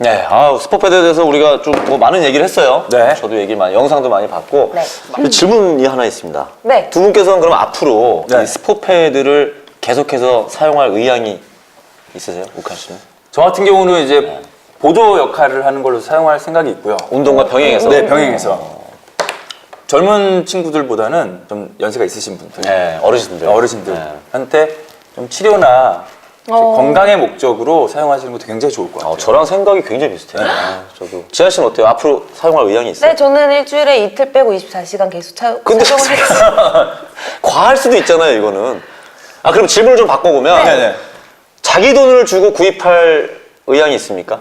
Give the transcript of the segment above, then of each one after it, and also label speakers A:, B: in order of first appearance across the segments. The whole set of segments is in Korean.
A: 네, 스포패드에 대해서 우리가 좀 뭐 많은 얘기를 했어요.
B: 네.
A: 저도 얘기 많이, 영상도 많이 봤고.
C: 네.
A: 질문이 하나 있습니다.
C: 네.
A: 두 분께서는 그럼 앞으로
B: 네.
A: 이 스포패드를 계속해서 사용할 의향이 있으세요, 우칸 씨는?
B: 저 같은 경우는 이제 보조 역할을 하는 걸로 사용할 생각이 있고요.
A: 운동과 병행해서?
B: 네, 병행해서. 젊은 친구들보다는 좀 연세가 있으신 분들,
A: 네, 어르신들.
B: 어르신들한테 좀 치료나 건강의 목적으로 사용하시는 것도 굉장히 좋을 것 같아요.
A: 저랑 생각이 굉장히 비슷해요. 저도. 지한 씨는 어때요? 앞으로 사용할 의향이 있어요?
C: 네, 저는 일주일에 이틀 빼고 24시간 계속
A: 근데
C: 착용을 했어요.
A: 과할 수도 있잖아요, 이거는. 그럼 질문을 좀 바꿔보면
B: 네네.
A: 자기 돈을 주고 구입할 의향이 있습니까?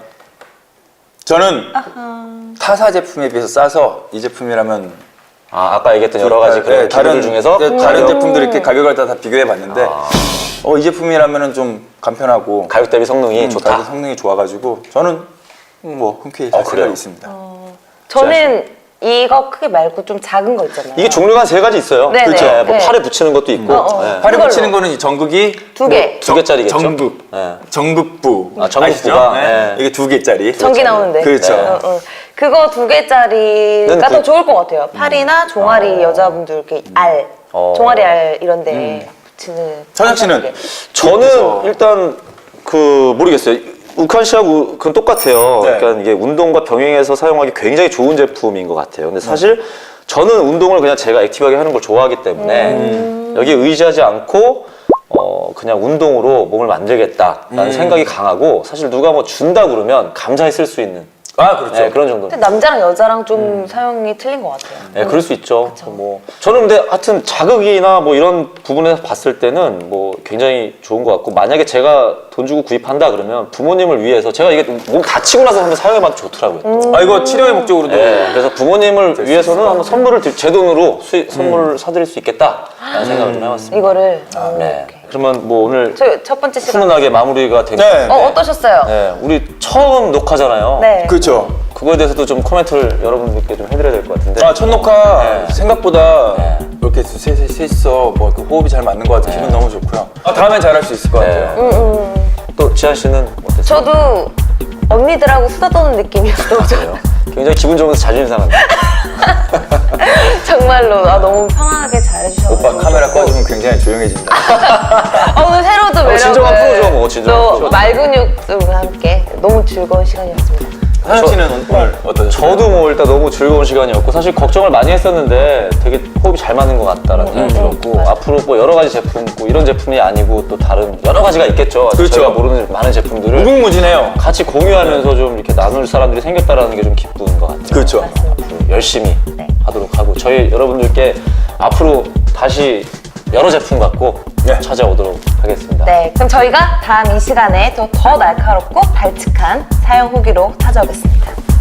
B: 저는 타사 제품에 비해서 싸서 이 제품이라면
A: 아까 얘기했던 여러 가지 그런 기구들 중에서
B: 다른 제품들 이렇게 가격을 다 비교해 봤는데 이 제품이라면은 좀 간편하고
A: 가격 대비 성능이 좋다.
B: 가격 성능이 좋아가지고 저는 뭐 흔쾌히 살
A: 그래요?
B: 생각이 있습니다.
C: 저는 이거 크기 말고 좀 작은 거 있잖아요.
A: 이게 종류가 한 3가지 있어요.
C: 네네.
A: 그렇죠. 뭐
C: 네.
A: 팔에 붙이는 것도 있고. 네.
B: 팔에
C: 그걸로.
B: 붙이는 거는 이 전극이
C: 2개.
A: 2개짜리겠죠?
B: 전극,
A: 네.
B: 전극부.
A: 전극부가,
B: 아시죠?
A: 네.
B: 이게 2개짜리.
C: 전기 나오는데.
B: 그렇죠.
C: 그거 2개짜리가 더 좋을 것 같아요. 팔이나 종아리 여자분들 이렇게 알, 종아리 알 이런데 붙이는.
B: 천혁 씨는?
A: 저는 일단 모르겠어요. 우칸 씨하고 그건 똑같아요.
B: 네.
A: 그러니까 이게 운동과 병행해서 사용하기 굉장히 좋은 제품인 것 같아요. 근데 사실 저는 운동을 그냥 제가 액티브하게 하는 걸 좋아하기 때문에 여기에 의지하지 않고 그냥 운동으로 몸을 만들겠다라는 생각이 강하고, 사실 누가 뭐 준다 그러면 감사히 쓸 수 있는
B: 그렇죠.
A: 네, 그런 정도.
C: 근데 남자랑 여자랑 좀 사용이 틀린 것 같아요.
A: 네, 그럴 수 있죠. 뭐 저는 근데 하여튼 자극이나 뭐 이런 부분에서 봤을 때는 뭐 굉장히 좋은 것 같고, 만약에 제가 돈 주고 구입한다 그러면 부모님을 위해서, 제가 이게 몸 다치고 나서 한번 사용해봐도 좋더라고요.
B: 이거 치료의 목적으로도.
A: 네, 그래서 부모님을 위해서는 한번 선물을 제 돈으로 선물을 사드릴 수 있겠다라는 생각을 좀 해봤습니다.
C: 이거를.
A: 네. 그러면 뭐 오늘
C: 저 첫 번째 시간.
A: 훈훈하게 마무리가 되면
B: 네.
C: 어떠셨어요?
A: 네, 우리 처음 녹화잖아요.
C: 네.
B: 그렇죠.
A: 그거에 대해서도 좀 코멘트를 여러분들께 좀 해드려야 될 것 같은데.
B: 첫 녹화
A: 네.
B: 생각보다 이렇게 셋이서 뭐 이렇게 호흡이 잘 맞는 것 같아서 기분 너무 좋고요. 다음엔 잘할 수 있을 것 같아요.
A: 또 지한 씨는 어땠어요?
C: 저도 언니들하고 수다 떠는 느낌이었어요.
A: 그래요? 굉장히 기분 좋으면서 자존심 상한다.
C: 정말로 너무 편하게 잘해주셔서.
B: 오빠 카메라 꺼주면 굉장히 조용해진다.
C: 오늘 새로운 매력을
A: 진정한 프로죠, 뭐, 진정한
C: 또
A: 프로죠.
C: 말근육과 함께 너무 즐거운 시간이었습니다.
B: 하영 씨는 오늘 어떠셨어요?
A: 저도 뭐 일단 너무 즐거운 시간이었고, 사실 걱정을 많이 했었는데 되게 호흡이 잘 맞는 것 같다라는 생각이 들었고, 앞으로 뭐 여러 가지 제품, 뭐 이런 제품이 아니고 또 다른 여러 가지가 있겠죠.
B: 그렇죠.
A: 제가 모르는 많은 제품들을
B: 무궁무진해요.
A: 같이 공유하면서 좀 이렇게 나눌 사람들이 생겼다라는 게 좀 기쁜 것 같아요.
B: 그렇죠.
A: 앞으로 열심히 하도록 하고, 저희 여러분들께 앞으로 다시 여러 제품 갖고 찾아오도록 하겠습니다.
C: 네, 그럼 저희가 다음 이 시간에 더 날카롭고 발칙한 사용 후기로 찾아오겠습니다.